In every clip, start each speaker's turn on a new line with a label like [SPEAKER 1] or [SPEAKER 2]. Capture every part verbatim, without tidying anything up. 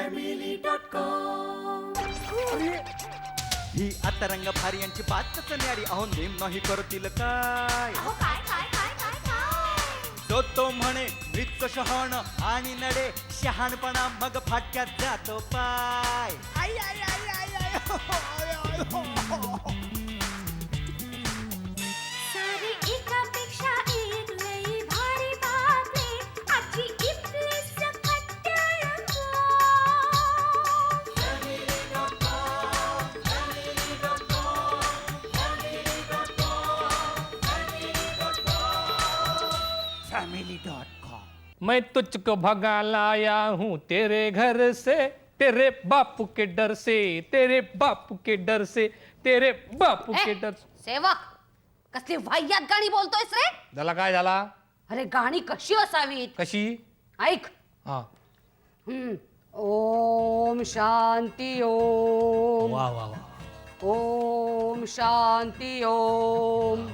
[SPEAKER 1] Family dot com.
[SPEAKER 2] ही आता रंग भारी यांची बातच न्यारी अहो नेम नाही करतील काय
[SPEAKER 1] काय काय काय काय काय
[SPEAKER 2] तो तो म्हणे मृत शहाण आणि नडे शहाणपणा मग फाटक्यात जातो पाय आई आई आई आई आई हो, हो, आय, आय, हो, हो.
[SPEAKER 1] सारी एकापेक्षा एक लई भारी बातमी आजची इथली सकट टेलिफोन.
[SPEAKER 2] Family dot com.
[SPEAKER 3] मैं तुझको भगा लाया हूँ तेरे घर से तेरे बापू के डर से तेरे बापू के डर से तेरे बापू के डर से.
[SPEAKER 4] सेवक कसली वाह्यात गाणी बोलतोयस रे?
[SPEAKER 3] झाला काय झाला
[SPEAKER 4] अरे गाणी कशी असावीत
[SPEAKER 3] कशी
[SPEAKER 4] ऐक.
[SPEAKER 3] हा
[SPEAKER 4] हम्म. ओम शांती ओम
[SPEAKER 3] वा वा वा
[SPEAKER 4] ओम शांती ओम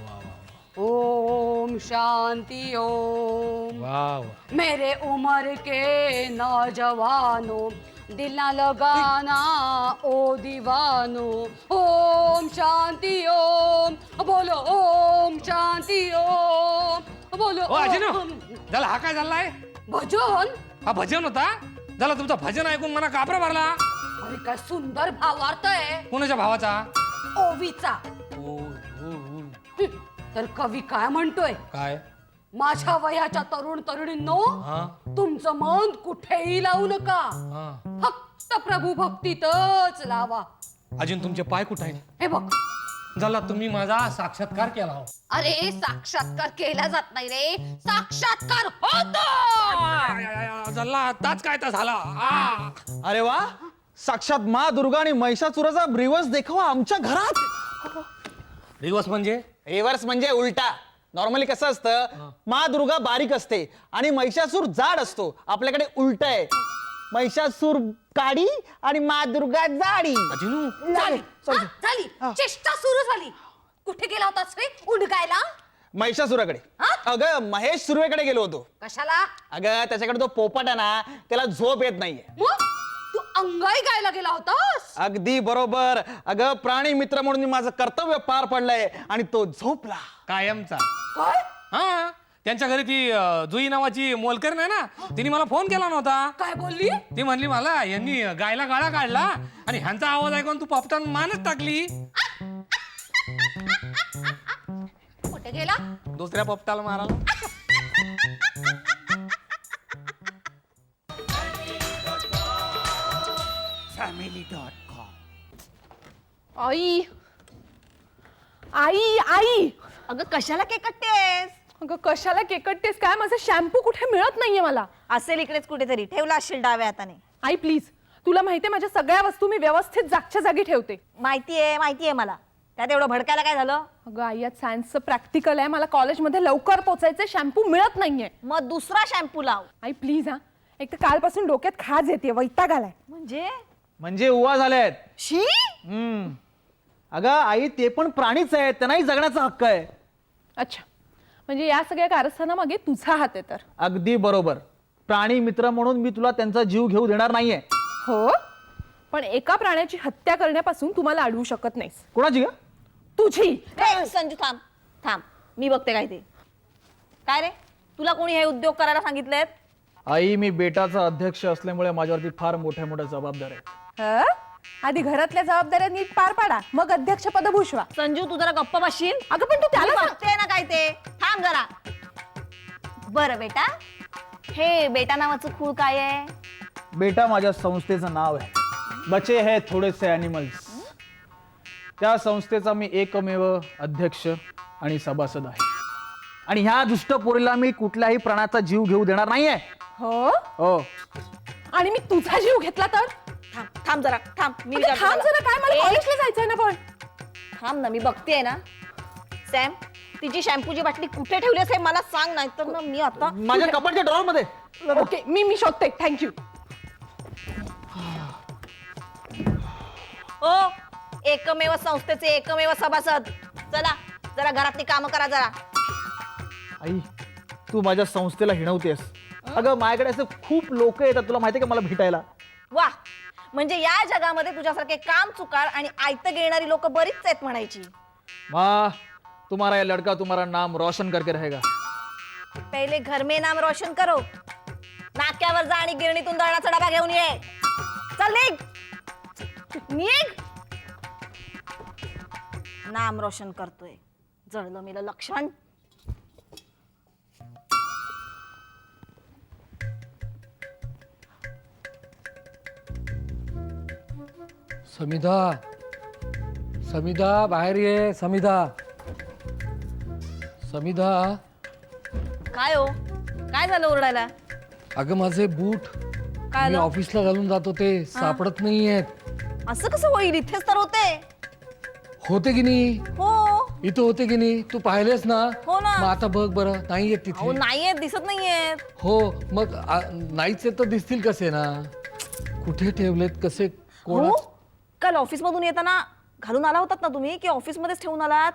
[SPEAKER 4] ओम शांति ओम.
[SPEAKER 3] वा वा
[SPEAKER 4] मेरे उम्र के नौजवानों दिल ना लगाना ओ दीवानो. ओम शांति ओम बोलो ओम शांति ओम बोलो
[SPEAKER 3] ओ अजिनो
[SPEAKER 4] ओम.
[SPEAKER 3] झाला हा काय झालाय
[SPEAKER 4] भजन.
[SPEAKER 3] हा भजन होता झाला तुमचं भजन ऐकून मला कापरा भरला.
[SPEAKER 4] अरे काय सुंदर भावार्थ आहे
[SPEAKER 3] कोणाच्या भावाचा
[SPEAKER 4] ओवीचा.
[SPEAKER 3] ओ, ओ, ओ.
[SPEAKER 4] हं, तर कवी काय म्हणतोय
[SPEAKER 3] काय
[SPEAKER 4] माझ्या वयाच्या तरुण तरुणींनो
[SPEAKER 3] हा
[SPEAKER 4] तुमचं मन कुठेही लावू नका
[SPEAKER 3] हा
[SPEAKER 4] फक्त प्रभू भक्तीतच लावा.
[SPEAKER 3] अजून तुमचे पाय कुठे आहेत
[SPEAKER 4] हे बघ
[SPEAKER 3] झाला तुम्ही माझा साक्षात्कार केला हो.
[SPEAKER 4] अरे साक्षात्कार केला जात नाही रे साक्षात्कार होतो.
[SPEAKER 3] झाला आताच काय तर झाला आ.
[SPEAKER 5] अरे वा साक्षात मा दुर्गा आणि महिषासुराचा रिवर्स देखावा आमच्या घरात.
[SPEAKER 3] रिवर्स म्हणजे
[SPEAKER 5] रिव्हर्स म्हणजे उलटा. नॉर्मली कसं असतं मा दुर्गा बारीक असते आणि महिषासूर जाड असतो. आपल्याकडे उलट आहे महिषासूर काडी आणि मा दुर्गा जाडी.
[SPEAKER 3] अजिनू
[SPEAKER 4] झाली हा, झाली चेष्टा सुरू झाली. कुठे गेला होतास रे उंडकायला?
[SPEAKER 5] महिषासुराकडे.
[SPEAKER 4] हा?
[SPEAKER 5] अगं महेश सुर्वेकडे गेलो होतो.
[SPEAKER 4] कशाला?
[SPEAKER 5] अगं त्याच्याकडे तो पोपट आहे ना त्याला झोप येत नाहीये.
[SPEAKER 4] मग तू अंगाई गायला गेला होतास?
[SPEAKER 5] अगदी बरोबर. अगं प्राणी मित्र म्हणून मी माझं कर्तव्य पार पडलंय आणि तो झोपला.
[SPEAKER 3] कायमचा
[SPEAKER 4] काय
[SPEAKER 3] हा त्यांच्या घरी ती अं, जुई नावाची मोलकर नाही ना तिने मला फोन केला नव्हता.
[SPEAKER 4] काय बोलली?
[SPEAKER 3] ती म्हणली मला यांनी गायला गाळा काढला आणि ह्यांचा आवाज ऐकून तू पपटान मानच टाकली.
[SPEAKER 4] कुठे गेला?
[SPEAKER 3] दुसऱ्या पपटाला मारायला.
[SPEAKER 2] Family dot com.
[SPEAKER 6] आई आई आई
[SPEAKER 7] अगं कशाला केकटतेस?
[SPEAKER 6] अगं कशाला केकटतेस काय? माझा शॅम्पू कुठे मिळत नाहीये मला.
[SPEAKER 7] असेल इकडेच कुठेतरी ठेवला असशील डाव्या हाताने.
[SPEAKER 6] आई प्लीज तुला माहितीये माझ्या सगळ्या वस्तू मी व्यवस्थित जागच्या जागी ठेवते.
[SPEAKER 7] माहितीये माहितीये मला. त्यात एवढं भडकायला काय झालं?
[SPEAKER 6] अगं आई आज सायन्सचं प्रॅक्टिकल आहे मला कॉलेजमध्ये लवकर पोचायचंय शॅम्पू मिळत नाहीये.
[SPEAKER 7] मग दुसरा शॅम्पू लाव.
[SPEAKER 6] आई प्लीज हा एक तर कालपासून डोक्यात खाज येते वैताग आलाय.
[SPEAKER 7] म्हणजे
[SPEAKER 5] म्हणजे उवा झालेत.
[SPEAKER 7] She
[SPEAKER 5] hmm. अगं आई ते पण प्राणीच आहेत त्यांनाही जगण्याचा हक्क आहे.
[SPEAKER 6] अच्छा म्हणजे या सगळ्या कारस्थानामागे तुझा हात आहे तर.
[SPEAKER 5] अगदी बरोबर. प्राणी मित्र म्हणून मी तुला त्यांचा जीव घेऊ देणार नाहीये.
[SPEAKER 6] हो पण एका प्राण्याची हत्या करण्यापासून तुम्हाला अडवू शकत नाहीस.
[SPEAKER 5] कोणाची का?
[SPEAKER 6] तुझी.
[SPEAKER 7] ए, संजू थांब थांब मी बघते काय ते. काय रे तुला कोणी हे उद्योग करायला सांगितलेत?
[SPEAKER 5] आई मी बेटाचा अध्यक्ष असल्यामुळे माझ्यावरती फार मोठ्या मोठ्या जबाबदाऱ्या आहेत.
[SPEAKER 6] हं? आधी घरातल्या जबाबदाऱ्या नीट पार पाडा मग अध्यक्ष पद भूषवा.
[SPEAKER 7] संजू तू जरा गप्प बसशील?
[SPEAKER 6] अगं पण तू
[SPEAKER 7] मी
[SPEAKER 6] त्याला सांग.
[SPEAKER 7] बघते ना काय ते. थांब जरा. बरं बेटा हे बेटा नावाचं खूळ काय आहे?
[SPEAKER 5] बेटा माझ्या संस्थेचं नाव आहे. बचे है थोडेसे अॅनिमल्स. त्या संस्थेचा मी एकमेव अध्यक्ष आणि सभासद आहे. आणि ह्या दुष्ट पोरीला मी कुठल्याही प्राण्याचा जीव घेऊ देणार नाहीये.
[SPEAKER 6] हो
[SPEAKER 5] हो
[SPEAKER 6] आणि मी तुझा जीव घेतला तर?
[SPEAKER 7] थांब थांब जरा थांब मी
[SPEAKER 6] अगं,
[SPEAKER 7] विचारते
[SPEAKER 6] थांब
[SPEAKER 7] तुला.
[SPEAKER 6] जरा काय मला
[SPEAKER 7] ए,
[SPEAKER 6] कॉलेजला जायचंय ना पण.
[SPEAKER 7] थांब ना मी बघतेय ना. सॅम तिची शॅम्पूची बाटली कुठे ठेवली असेल मला सांग नाही तर मी आता
[SPEAKER 5] माझ्या कपाटच्या ड्रॉवर मध्ये.
[SPEAKER 6] ओके मी मी शोधते थँक्यू.
[SPEAKER 7] ओ एकमेव संस्थेचे एकमेव सभासद चला जरा घरातली कामं करा जरा.
[SPEAKER 5] आई तू माझ्या संस्थेला हिणवतेस. अगं माझ्याकडे असं खूप लोक येतात तुला माहितीये का मला भेटायला.
[SPEAKER 7] वा म्हणजे या जगामध्ये तुझ्यासारखे काम चुकार आणि आयतं घेणारी लोक बरीच आहेत म्हणायची.
[SPEAKER 5] माँ तुम्हारा ये लड़का तुम्हारा नाम रोशन करके रहेगा.
[SPEAKER 7] पहिले घर में नाम रोशन करो. नाक्यावर जा आणि गिरणीतून दळणाचा डबा घेऊन ये. चल निघ निघ. नाम रोशन करतोय. जळलं मेलं लक्षण.
[SPEAKER 3] समिधा समिधा बाहेर ये. समिधा समिधा
[SPEAKER 7] काय हो काय झालं ओरडायला?
[SPEAKER 3] अगं माझे बूट
[SPEAKER 7] काय
[SPEAKER 3] मी
[SPEAKER 7] आलं?
[SPEAKER 3] ऑफिसला घालून जातो ते सापडत नाहीयेत.
[SPEAKER 7] असं कसं होईल? इथेच तर होते.
[SPEAKER 3] होते की नाही?
[SPEAKER 7] हो
[SPEAKER 3] इथं होते की नाही? तू पाहिलेस ना?
[SPEAKER 7] हो ना.
[SPEAKER 3] मग आता बघ बरं नाहीयेत
[SPEAKER 7] अहो
[SPEAKER 3] तिथे.
[SPEAKER 7] नाहीयेत दिसत नाहीयेत.
[SPEAKER 3] हो मग आ, नाहीच तर दिसतील कसे ना? कुठे ठेवलेत कसे कोण?
[SPEAKER 7] हो काल ऑफिस मधून येताना घालून आला होतात ना तुम्ही की ऑफिस मध्येच ठेवून आलात?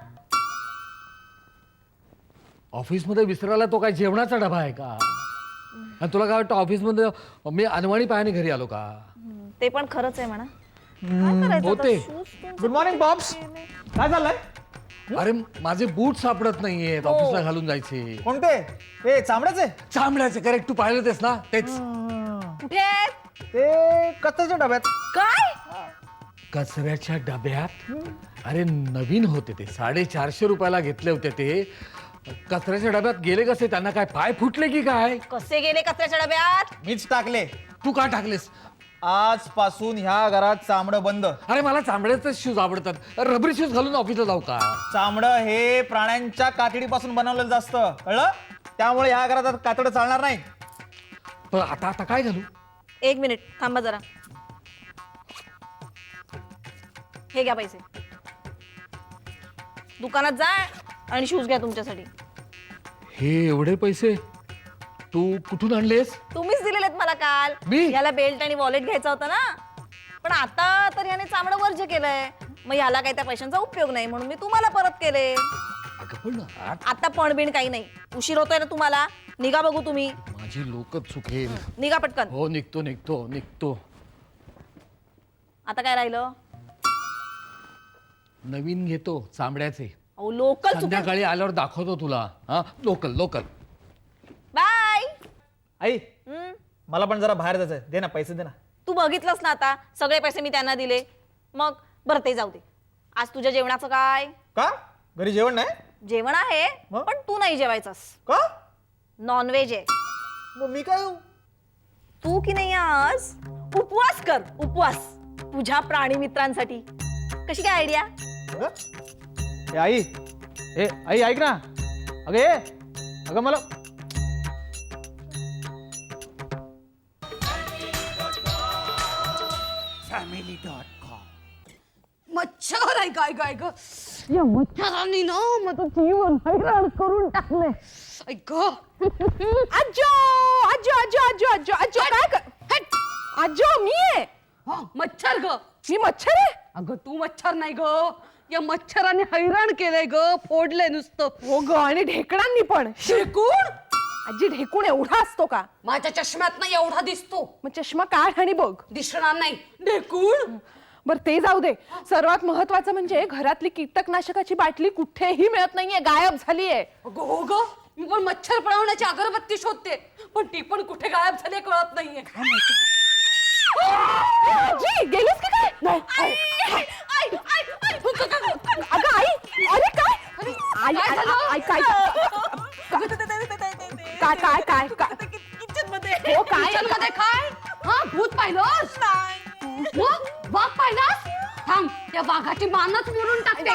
[SPEAKER 3] ऑफिसमध्ये विसरायला तो काय जेवणाचा डबा आहे का? आणि तुला काय वाटतं ऑफिसमध्ये मी अनवाणी पायाने घरी आलो का?
[SPEAKER 7] हम्म, ते पण खरंच आहे म्हणा. काय करायचं आता?
[SPEAKER 3] होते.
[SPEAKER 7] Shoes तुमचे
[SPEAKER 5] गुड मॉर्निंग बॉब्स. काय चाललंय?
[SPEAKER 3] अरे माझे बूट सापडत नाहीयेत
[SPEAKER 7] हो.
[SPEAKER 3] ऑफिसला घालून जायचे.
[SPEAKER 5] कोणते? हे चामड्याचे?
[SPEAKER 3] चांबड्याचे करेक्ट. तू पाहिलं तेच ना? तेच
[SPEAKER 7] कुठे आहेत?
[SPEAKER 5] ते कच्च्याच्या डब्यात.
[SPEAKER 7] काय
[SPEAKER 3] कचऱ्याच्या डब्यात. अरे नवीन होते ते साडेचारशे रुपयाला घेतले होते ते. कचऱ्याच्या डब्यात गेले कसे? त्यांना काय पाय फुटले की काय?
[SPEAKER 7] कसे गेले कचऱ्याच्या डब्यात?
[SPEAKER 5] मीच टाकले.
[SPEAKER 3] तू का टाकलेस?
[SPEAKER 5] आजपासून ह्या घरात चामडं बंद.
[SPEAKER 3] अरे मला चांबड्याचे शूज आवडतात. रबरी शूज घालून ऑफिसला जाऊ का?
[SPEAKER 5] चामडं हे प्राण्यांच्या कातडीपासून बनवलेलं असतं, कळलं? त्यामुळे ह्या घरात आता कातडं चालणार नाही.
[SPEAKER 3] पण आता आता काय घालू?
[SPEAKER 7] एक मिनिट थांबा जरा. हे घ्या पैसे. दुकानात जा आणि शूज घ्या तुमच्यासाठी.
[SPEAKER 3] हे एवढे पैसे तू कुठून आणलेस?
[SPEAKER 7] तुम्हीच दिलेलेत मला काल.
[SPEAKER 3] मी?
[SPEAKER 7] याला बेल्ट आणि वॉलेट घ्यायचा होता ना. पण आता तर याने चामडं वर्ज केलंय. मग याला काही त्या पैशांचा उपयोग नाही म्हणून मी तुम्हाला परत केले.
[SPEAKER 3] अगं पण आ-
[SPEAKER 7] आता पणबिण काही नाही. उशीर होतोय ना तुम्हाला. निघा बघू तुम्ही.
[SPEAKER 3] माझी लोकच चुकेल.
[SPEAKER 7] निघा पटकन.
[SPEAKER 3] हो निघतो निघतो निघतो.
[SPEAKER 7] आता काय राहिलं?
[SPEAKER 3] नवीन घेतो चांबड्याचे.
[SPEAKER 7] अहो लोकल चुकेल.
[SPEAKER 3] संध्याकाळी आल्यावर दाखवतो तुला. हा लोकल लोकल.
[SPEAKER 7] बाय.
[SPEAKER 5] आई
[SPEAKER 7] हम्म.
[SPEAKER 5] मला पण जरा बाहेर जायचंय. दे ना पैसे दे ना.
[SPEAKER 7] तू बघितलंस ना आता सगळे पैसे मी त्यांना दिले. मग बरं ते जाऊ दे. आज तुझ्या जेवणाचं काय?
[SPEAKER 5] का? घरी जेवण नाही?
[SPEAKER 7] जेवण आहे
[SPEAKER 5] मग?
[SPEAKER 7] पण तू नाही जेवायचंस.
[SPEAKER 5] का?
[SPEAKER 7] नॉनव्हेज आहे.
[SPEAKER 5] मग मी काय येऊ?
[SPEAKER 7] तू की नाही आज उपवास कर. उपवास तुझ्या प्राणी मित्रांसाठी. कशी काय आयडिया?
[SPEAKER 5] अगं? ए आई ए आई ऐक ना. अगं ये. अगं मला
[SPEAKER 4] मच्छर आहे काय काय ग? या मच्छरांनी ना माझं जीवन हैराण करून टाकलंय. ऐक
[SPEAKER 6] आजो आजो आजो आजो आजो आजो काय कर आजो मी आहे.
[SPEAKER 4] मच्छर ग.
[SPEAKER 6] मी मच्छर आहे?
[SPEAKER 4] अगं तू मच्छर नाही ग. या मच्छराने हैराण केलंय ग. फोडलंय नुसतं.
[SPEAKER 6] हो ग आणि ढेकणांनी पण.
[SPEAKER 4] शेकून
[SPEAKER 6] आजी ढेकूण एवढा असतो का?
[SPEAKER 4] माझ्या चष्म्यात नाही एवढा दिसतो.
[SPEAKER 6] मग चष्मा काढ आणि बघ.
[SPEAKER 4] दिसणार नाही. ढेकूण.
[SPEAKER 6] बर ते जाऊ दे. सर्वात महत्वाचं म्हणजे घरातली कीटकनाशकाची बाटली कुठेही मिळत नाहीये. गायब झालीये.
[SPEAKER 4] अगं हो ग. मी पण मच्छर पळवण्याची अगरबत्ती शोधते पण ती पण कुठे गायब झाली कळत नाहीये.
[SPEAKER 6] आजी गेलीस की काय? नाही
[SPEAKER 4] आई, आई, आई, आई.
[SPEAKER 6] अगं आई अरे काय आई
[SPEAKER 4] काय झालं?
[SPEAKER 6] आई काय काय काय काय काय
[SPEAKER 4] किचन मध्ये.
[SPEAKER 6] हो काय
[SPEAKER 4] किचन मध्ये काय? हा भूत पाहिलंस? मग वाघ पाहिलास? थांब त्या वाघाची मानच मोडून टाकते.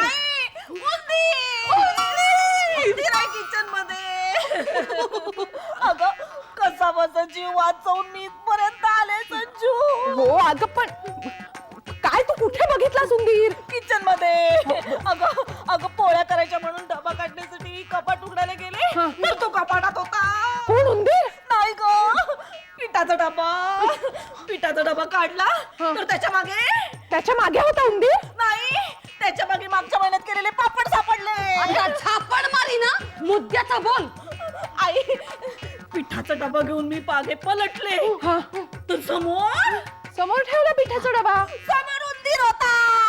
[SPEAKER 7] किचन मध्ये. अगं कसा बसा जीव वाचवून मी इथपर्यंत आले संजू.
[SPEAKER 6] हो अगं पण काय तू कुठे बघितला सुंदीर?
[SPEAKER 7] किचन मध्ये. अगं अगं पोळ्या करायच्या म्हणून डबा काढण्यासाठी कपाट उघडायला गेले तर तो कपाटात होता.
[SPEAKER 6] कोण उंदीर?
[SPEAKER 7] नाही ग. पिठाचा डबा. पिठाचा डबा काढला तर त्याच्या मागे
[SPEAKER 6] त्याच्या मागे होता उंदीर?
[SPEAKER 7] नाही त्याच्या मागे मागच्या महिन्यात केलेले पापड सापडले.
[SPEAKER 4] आता झापड मारी ना. मुद्द्याचा बोल.
[SPEAKER 7] आई पिठाचा डबा घेऊन मी पागे पलटले तर समोर
[SPEAKER 6] समोर ठेवला पिठाचा डबा.
[SPEAKER 7] समोर उंदीर होता.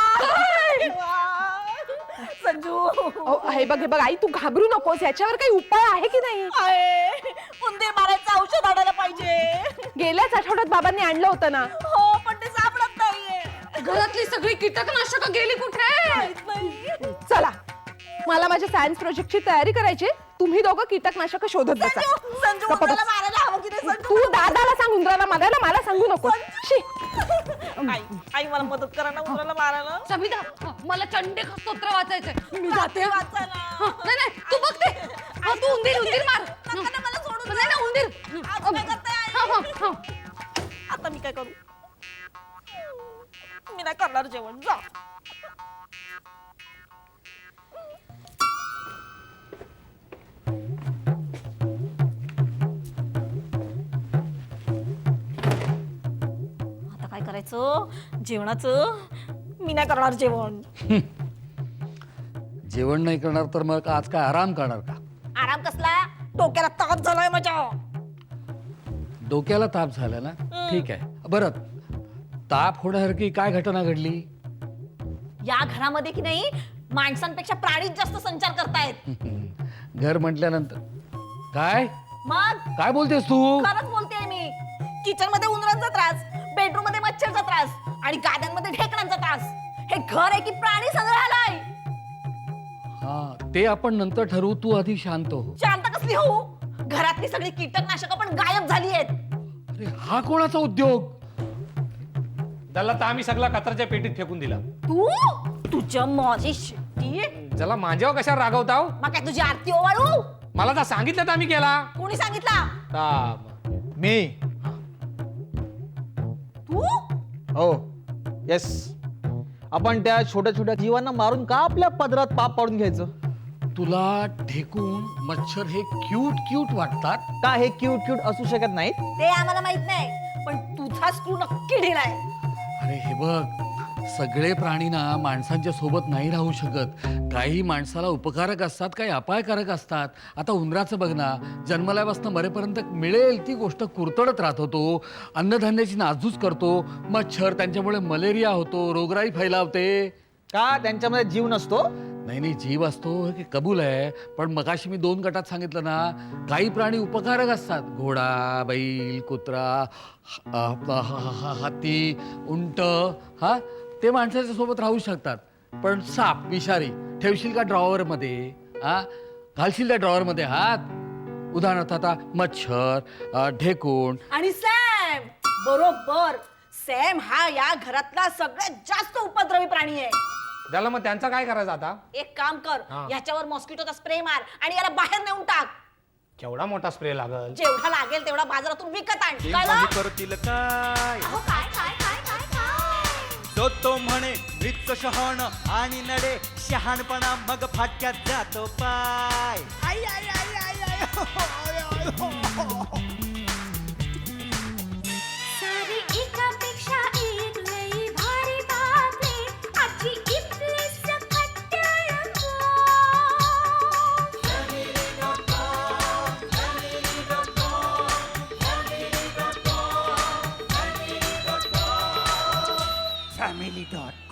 [SPEAKER 7] संजू
[SPEAKER 6] अहो, हे बघ हे बघ आई, तू घाबरू नकोस. याच्यावर काही उपाय आहे की नाही?
[SPEAKER 7] आहे. उंदीर मारायचं औषध आणायला पाहिजे.
[SPEAKER 6] गेल्याच आठवड्यात बाबांनी आणलं होतं ना.
[SPEAKER 7] हो पण ते सापडत नाहीये.
[SPEAKER 4] घरातली सगळी कीटकनाशक गेली कुठे?
[SPEAKER 7] माहित नाही.
[SPEAKER 6] चला, मला माझ्या सायन्स प्रोजेक्टची तयारी करायची. तुम्ही दोघं कीटकनाशक शोधत बसा.
[SPEAKER 7] संजू संजू
[SPEAKER 6] गप्प बस.
[SPEAKER 7] उंदराला मारायला हवं की नाही संजू?
[SPEAKER 6] तू दादाला सांग उंदराला मारायला, मला सांगू नको. शी.
[SPEAKER 7] आई आई मला मदत करा ना उंदराला मारायला.
[SPEAKER 4] सविता, मला चंडी स्तोत्र वाचायचंय. मी जाते.
[SPEAKER 7] वाचायला.
[SPEAKER 4] हा, नाही नाही तू बघते. हा, तू उंदीर उंदीर मार.
[SPEAKER 7] नका ना, मला सोडून
[SPEAKER 4] नाही
[SPEAKER 7] द्या.
[SPEAKER 4] ना उंदीर.
[SPEAKER 7] आज काय करताय आई?
[SPEAKER 4] हा, हा, हा.
[SPEAKER 7] आता मी काय करू? मी नाही करणार जेवण. जा. आता काय करायचं जेवणाचं? मी नाही करणार जेवण.
[SPEAKER 8] जेवण नाही करणार तर मग आज काय आराम करणार का?
[SPEAKER 7] आराम कसला? डोक्याला ताप झालाय माझ्या.
[SPEAKER 8] डोक्याला ताप झाला ना? ठीक आहे. बरं, ताप होण्यासारखी काय घटना घडली?
[SPEAKER 7] या घरामध्ये की नाही माणसांपेक्षा प्राणीच जास्त संचार करतायत.
[SPEAKER 8] घर म्हटल्यानंतर काय
[SPEAKER 7] मग
[SPEAKER 8] काय बोलतेस तू?
[SPEAKER 7] खरंच बोलतेय मी. किचन मध्ये उंदरांचा त्रास, बेडरूम मध्ये मच्छरचा त्रास आणि गाद्यांमध्ये ढेकणांचा त्रास. हे घर आहे की प्राणी संग्रहालय?
[SPEAKER 8] हा, ते आपण नंतर ठरवू. तू आधी शांत हो.
[SPEAKER 7] शांत कसली होऊ? घरातली सगळी कीटकनाशक पण गायब झाली आहेत.
[SPEAKER 8] अरे हा कोणाचा उद्योग?
[SPEAKER 3] त्याला तर आम्ही सगळा कचऱ्याच्या पेटीत फेकून दिला.
[SPEAKER 7] तू तुझ्या माझी शेती
[SPEAKER 3] त्याला माझ्यावर कशावर रागवताव?
[SPEAKER 7] मग काय तुझी आरती ओवाळू?
[SPEAKER 3] मला तर सांगितलं तर आम्ही केला.
[SPEAKER 7] कोणी सांगितला?
[SPEAKER 3] ता-
[SPEAKER 5] मी.
[SPEAKER 7] तू
[SPEAKER 5] हो, येस. आपण त्या छोट्या छोट्या जीवांना मारून का आपल्या पदरात पाप पाडून घ्यायचं?
[SPEAKER 8] तुला ढेकून मच्छर हे क्यूट क्यूट वाटतात
[SPEAKER 5] का हे क्यूट क्यूट असू शकत नाहीत?
[SPEAKER 7] ते आम्हाला माहित नाही, पण तुझा स्क्रू नक्की ढिलाय.
[SPEAKER 8] अरे हे बघ, सगळे प्राणी ना माणसांच्या सोबत नाही राहू शकत. काही माणसाला उपकारक असतात, काही अपायकारक असतात. आता उंदराचं बघ ना, जन्मल्यापासून मरेपर्यंत मिळेल ती गोष्ट कुरतडत राहतो तो. अन्नधान्याची नासधूस करतो. मच्छर, त्यांच्यामुळे मलेरिया होतो, रोगराई फैलावते.
[SPEAKER 5] का त्यांच्यामध्ये जीव नसतो?
[SPEAKER 8] नाही नाही, जीव असतो हे कबूल आहे, पण मगाशी मी दोन गटात सांगितलं ना, काही प्राणी उपकारक असतात. घोडा, बैल, कुत्रा, ह- आपला ह- ह- ह- हत्ती, उंट, हा ते माणसाच्या सोबत राहू शकतात. पण साप, विषारी ठेवशील का ड्रॉवर मध्ये? हा, घालशील त्या ड्रॉवर मध्ये हात? उदाहरणार्थ आता मच्छर, अ, ढेकूण.
[SPEAKER 7] आणि सॅम बरोबर. सॅम हा या घरातला सगळ्यात जास्त उपद्रवी प्राणी आहे.
[SPEAKER 3] त्याला मग त्यांचा काय करायचं आता?
[SPEAKER 7] एक काम कर,
[SPEAKER 3] हा.
[SPEAKER 7] याच्यावर मॉस्किटोचा स्प्रे मार आणि याला बाहेर नेऊन टाक.
[SPEAKER 3] केवढा मोठा स्प्रे लागल?
[SPEAKER 7] जेवढा लागेल तेवढा बाजारातून विकत आण.
[SPEAKER 2] ते
[SPEAKER 7] कळलं?
[SPEAKER 2] काही करतील काय?
[SPEAKER 1] अहो काय काय काय काय काय?
[SPEAKER 2] तो तो म्हणे मृत्यू शहाण आणि नडे शहाणपणा मग फाटक्यात जातो पाय. आई, आई, आई, आई, आई, हो, आय, आय, हो, हो.
[SPEAKER 1] सारी एकापेक्षा एक लई भारी बातमी. आजची इथली सकट टेलिफोन.
[SPEAKER 2] Family dot